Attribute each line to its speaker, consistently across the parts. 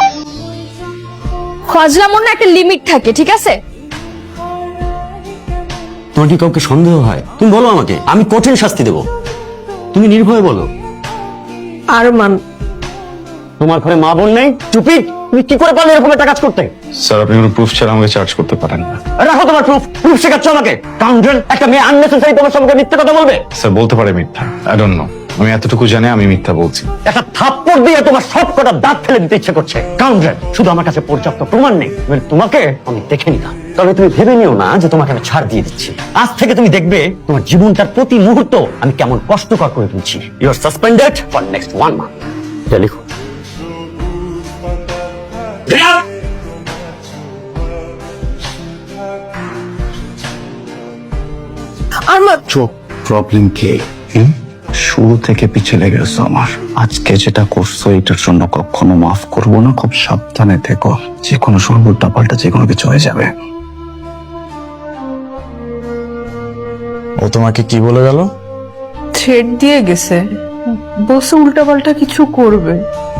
Speaker 1: ফজলামোর না একটা লিমিট থাকে, ঠিক আছে?
Speaker 2: তোমার কি কাউকে সন্দেহ হয়? তুমি বলো আমাকে, আমি কঠিন শাস্তি দেব। তুমি নির্ভয়ে বলো।
Speaker 1: আরমান,
Speaker 2: তোমার ঘরে মা বোন নেই? চুপি, তুমি কি করে পারলে এরকম একটা কাজ করতে?
Speaker 3: স্যার, আপনি কোনো প্রুফ ছাড়া আমাকে চার্জ করতে পারেন না।
Speaker 2: রাখো তোমার প্রুফ। প্রুফ শেখাচ্ছ আমাকে? কাউন্টার, একটা মেয়ে আননেসেসারি তোমার সঙ্গে মিথ্যা কথা বলবে?
Speaker 3: স্যার, বলতে পারে মিথ্যা। আই ডোন্ট নো, আমি এতটুকু জানি আমি মিথ্যা বলছি।
Speaker 2: একটা থাপ্পড় দিয়ে তোমার সব কটা দাঁত ফেলে দিতে ইচ্ছে করছে। কাউন্টার, শুধু আমার কাছে পর্যাপ্ত প্রমাণ নেই, তোমাকে আমি দেখে নিলাম। তবে তুমি ভেবে নিও না যে তোমাকে আমি ছাড় দিয়ে দিচ্ছি। আজ থেকে তুমি দেখবে তোমার জীবনটার প্রতি মুহূর্ত আমি কেমন কষ্টকর করে তুলছি। You are suspended for next 1 month. এটা লিখো।
Speaker 1: আরমান,
Speaker 3: চোখ প্রবলেম কি? শুরু থেকে পিছিয়ে লেগেছো আমার। আজকে যেটা করছো এটার জন্য কখনো মাফ করবো না। খুব সাবধানে থেকো, যে কোনো সময় উল্টা পাল্টা যে কোনো কিছু হয়ে যাবে।
Speaker 4: ও তোমাকে কি বলে গেল?
Speaker 5: থ্রেড দিয়ে গেছে, বসে উল্টাপাল্টা কিছু করবে।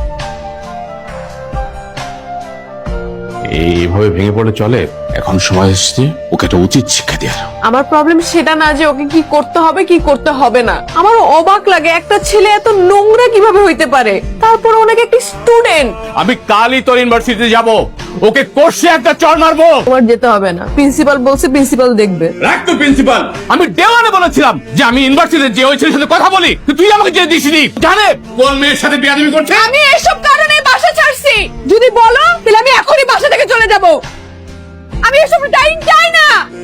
Speaker 4: এইভাবে ভেঙে পড়ে চলে? এখন সময় এসেছে ওকে একটা উচিত শিক্ষা দেওয়ার।
Speaker 5: আমার প্রবলেম সেটা না যে ওকে কি করতে হবে না। আমার অবাক লাগে একটা ছেলে এত নোংরা কিভাবে হইতে পারে, তারপর অনেক একটি স্টুডেন্ট।
Speaker 6: আমি কালই তোর ইউনিভার্সিটিতে যাব, ওকে কোর্সে একটা চড় মারবো।
Speaker 5: তোমার যেতে হবে না, প্রিন্সিপাল বলছে, প্রিন্সিপাল দেখবে।
Speaker 6: রাখ তো প্রিন্সিপাল। আমি দেওয়ানে বলেছিলাম যে আমি ইউনিভার্সিটিতে যে ওই ছেলের সাথে কথা বলি, তো তুই আমাকে যেতে দিসনি। জানে কোন মেয়ের সাথে বিয়াদবি করছে?
Speaker 5: আমি এসব কারণে বাসা ছাড়ছি। যদি বলো তাহলে আমি এখনই বাসা থেকে চলে যাব। আমি এসব টাইম চাই না।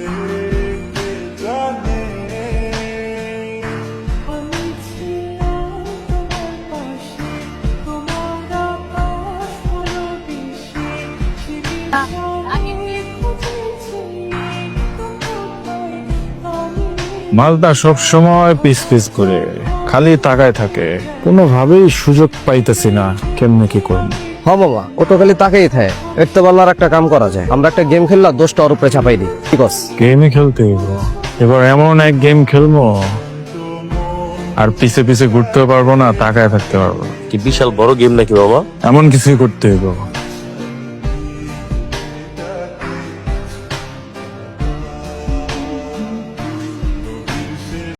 Speaker 7: মালদা সব সময় পিস পিস করে খালি তাকায় থাকে, কোনোভাবেই সুযোগ পাইতেছি না কেমনে কি করব।
Speaker 8: হ বাবা, ও তো খালি তাকেই থাকে। একটু বলার একটা কাম করা যায়, আমরা একটা গেম খেললা 10টা ওর উপরে চাপাই দিই। ঠিক আছে?
Speaker 7: গেমই খেলতে হইব। এবার এমন এক গেম খেলবো আর পিছে পিছে ঘুরতেও পারবো না, তাকায় থাকতে পারবো।
Speaker 9: কি বিশাল বড় গেম নাকি বাবা?
Speaker 7: এমন কিছুই করতে হইব।